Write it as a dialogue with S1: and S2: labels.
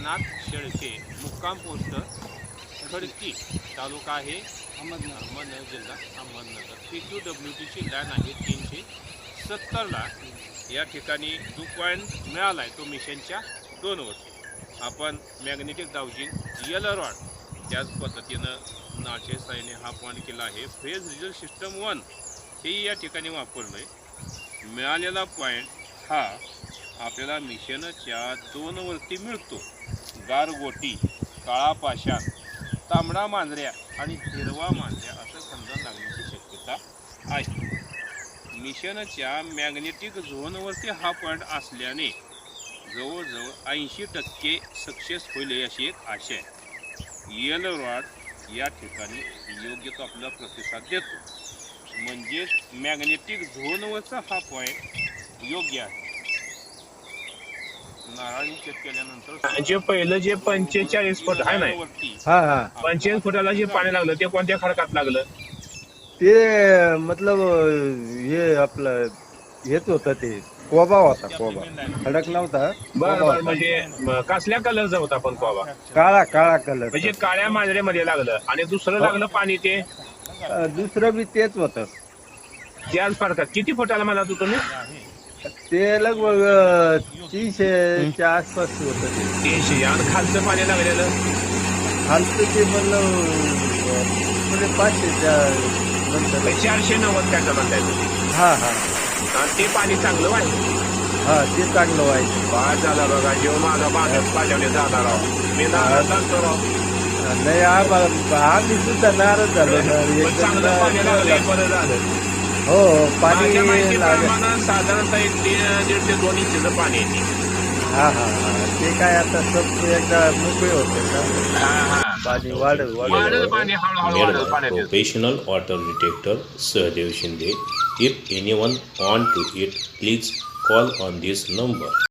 S1: एकनाथ शेळके, मुक्काम पोस्ट खडकी, तालुका आहे अहमदनगर, जिल्हा अहमदनगर. PQWTची लाईन आहे 370ला. या ठिकाणी जो पॉईंट मिळाला आहे तो मिशनच्या 2वरती. आपण मॅग्नेटिक डाउजिंग यल रॉड त्याच पद्धतीनं नाचे साईने हा पॉईंट केला आहे. फेज रिझल्ट सिस्टम 1 हे या ठिकाणी वापरलं आहे. मिळालेला पॉईंट हा आपल्याला मिशनच्या 2वरती मिळतो. गारगोटी, काळा पाषाण, तांबडा मांजऱ्या आणि हिरवा मांजऱ्या असं खंदन लागण्याची शक्यता आहे. मिशनच्या मॅग्नेटिक झोनवरती हा पॉईंट असल्याने जवळजवळ 80% सक्सेस होईल अशी एक आशा आहे. यल रॉड या ठिकाणी योग्य तो आपला प्रतिसाद देतो. म्हणजेच मॅग्नेटिक झोनवरचा हा पॉईंट योग्य आहे. नारळी चेक केल्यानंतर
S2: जे पहिलं जे 45 फूट आहे ना,
S3: हा हा
S2: 45 फुटाला जे पाणी लागलं ते कोणत्या खडकात लागलं?
S3: ते मतलब हे आपलं हेच होतं, ते कोबा होता. कोबा खडक नव्हता.
S2: बरं बरं. म्हणजे कसल्या कलरचा होता पण कोबा?
S3: काळा काळा कलर.
S2: म्हणजे काळ्या मांजऱ्यामध्ये लागलं. आणि दुसरं लागलं पाणी ते
S3: दुसरं बी तेच होतं.
S2: त्याच फडकात. किती फुटाला म्हणा तू तुम्ही?
S3: ते लगभग 300च्या आसपास होतं. ते
S2: 300. आणि खालचं पाणी लागलेलं
S3: खालचं ते म्हणलं 500च्या नंतर.
S2: 490 काय म्हणताय तुम्ही?
S3: हा हा
S2: आणि ते पाणी चांगलं वाहिलं.
S3: हा ते चांगलं व्हायचं.
S2: बाद झाला बघा. जेव्हा माझा बाजारात पाठवले जाणार आहोत मी नाराज लागतो राव.
S3: नाही आम्ही सुद्धा नाराज झालो ना.
S2: पण चांगलं पाणी लागलं, बरं झालं.
S3: हो पाणी
S2: माझ्या
S3: लागलं.
S2: माहितीप्रमाणे साधारणतः 1.5 ते 2 इंचचं पाणी येते.
S3: हा हा हा ते काय आता सब एकदा मोकळे होते ना. पाणी वाढत
S2: वाढेल पाणी, हळूहळू वाढेल पाण्यात येतं.
S4: Professional water detector Sahadev Shinde. If anyone want to it, please call on this number.